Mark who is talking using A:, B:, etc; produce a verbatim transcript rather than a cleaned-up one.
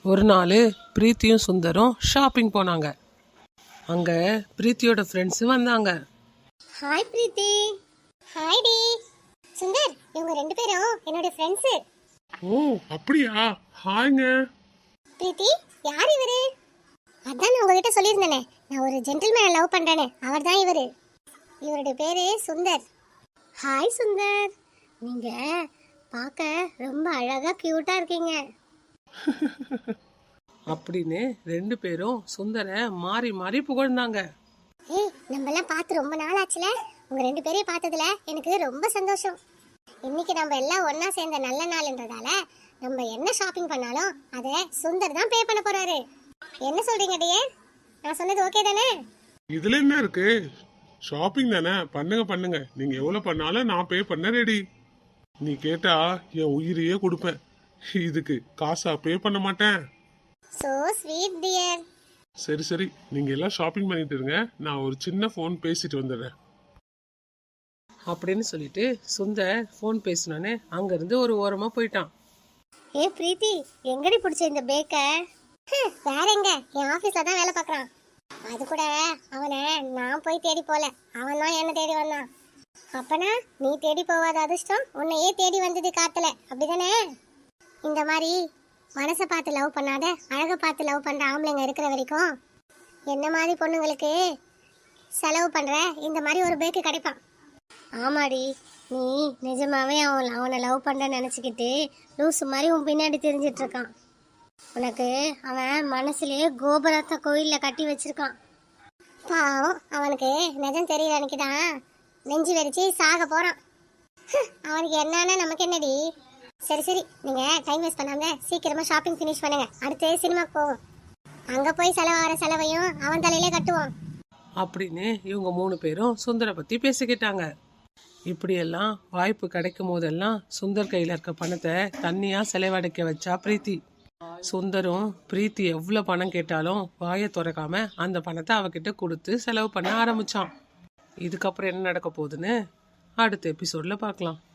A: ஒரு நாள் பிரீத்தியும் சுந்தரும் ஷாப்பிங் போனாங்க. அங்கே பிரீத்தியோட ஃப்ரெண்ட்ஸு வந்தாங்க.
B: ஹாய் பிரீத்தி. ஹாய் டி. சுந்தர், இவங்க ரெண்டு பேரும் என்னோட ஃப்ரெண்ட்ஸு.
C: ஓ அப்படியா? ஹாய்ங்க.
B: பிரீத்தி, யார் இவரு? அதான் நான் உங்ககிட்ட சொல்லியிருந்தேனே, நான் ஒரு ஜென்டில்மேனை லவ் பண்ணுறேன்னு. அவர் தான் இவர். இவருடைய பேர் சுந்தர். ஹாய் சுந்தர், நீங்கள் பார்க்க ரொம்ப அழகாக க்யூட்டாக இருக்கீங்க
A: அப்படின்னு ரெண்டு பேரும் சுந்தரை மாறி மாறி புகழ்ந்தாங்க.
B: ஏய், நம்மலாம் பார்த்து ரொம்ப நாள் ஆச்சுல. உங்கள் ரெண்டு பேரையும் பார்த்ததுல எனக்கு ரொம்ப சந்தோஷம். இன்னைக்கு நம்ம எல்லாம் ஒன்றா சேர்ந்த நல்ல நாள்ன்றதால நம்ம என்ன ஷாப்பிங் பண்ணாலும் அதை சுந்தர் தான் பே பண்ண போறாரு. என்ன சொல்றீங்க டியர்? நான் சொன்னது ஓகே தானே?
C: இதுல என்ன இருக்கு? ஷாப்பிங் தானே, பண்ணுங்க பண்ணுங்க. நீங்க எவ்வளவு பண்ணாலும் நான் பே பண்ண ரெடி. நீ கேட்டா என் உயிரையே கொடுப்பேன். இதுக்கு காசா பே பண்ண மாட்டேன்.
B: So sweet dear.
C: சரி சரி, நீங்க எல்லாம் ஷாப்பிங் பண்ணிட்டு இருங்க, நான் ஒரு சின்ன ஃபோன் பேசிட்டு வந்துடுறேன்
A: அப்படின்னு சொல்லிட்டு சுந்தர் ஃபோன் பேசினோன்னே அங்கேருந்து ஒரு ஓரமாக போயிட்டான்.
B: ஏ பிரீத்தி, எங்கடி பிடிச்ச இந்த பேக்க? வேற எங்க, என் ஆஃபீஸில் தான் வேலை பார்க்குறான். அது கூட அவனை நான் போய் தேடி போல, அவன் தான் என்ன தேடி வந்தான். அப்பனா நீ தேடி போவாத அதிர்ஷ்டம் உன்னையே தேடி வந்தது காத்துல, அப்படிதானே? இந்த மாதிரி மனசை பார்த்து லவ் பண்ணாத, அழகை பார்த்து லவ் பண்ணுற ஆம்பளைங்க இருக்கிற வரைக்கும் என்ன மாதிரி பொண்ணுங்களுக்கு செலவு பண்ணுற இந்த மாதிரி ஒரு பேக்கு கிடைப்பான். ஆமாடி, நீ நிஜமாவே அவன் அவனை லவ் பண்ணுற நினச்சிக்கிட்டு லூசு மாதிரி உன் பின்னாடி தெரிஞ்சிட்டு இருக்கான். உனக்கு அவன் மனசுலேயே கோபுரத்தை கோயிலில் கட்டி வச்சிருக்கான். பாவம், அவனுக்கு நிஜம் தெரியல. அன்னைக்கு தான் நெஞ்சு வெடிச்சு சாக போகிறான். அவனுக்கு என்னன்னா நமக்கு என்னடி? சரி சரி, நீங்கள் டைம் வேஸ்ட் பண்ணாம சீக்கிரமாக ஷாப்பிங் ஃபினிஷ் பண்ணுங்க. அடுத்து சினிமாக்கு போவோம். அங்கே போய் செலவாகிற செலவையும் அவன் தலையிலே கட்டுவோம்
A: அப்படின்னு இவங்க மூணு பேரும் சுந்தரை பற்றி பேசிக்கிட்டாங்க. இப்படியெல்லாம் வாய்ப்பு கிடைக்கும் போதெல்லாம் சுந்தர் கையில் இருக்க பணத்தை தண்ணியாக செலவழிக்க வச்சா பிரீத்தி. சுந்தரும் பிரீத்தி எவ்வளோ பணம் கேட்டாலும் வாயை திறக்காம அந்த பணத்தை அவகிட்ட கொடுத்து செலவு பண்ண ஆரம்பிச்சான். இதுக்கப்புறம் என்ன நடக்க போகுதுன்னு அடுத்த எபிசோட்ல பார்க்கலாம்.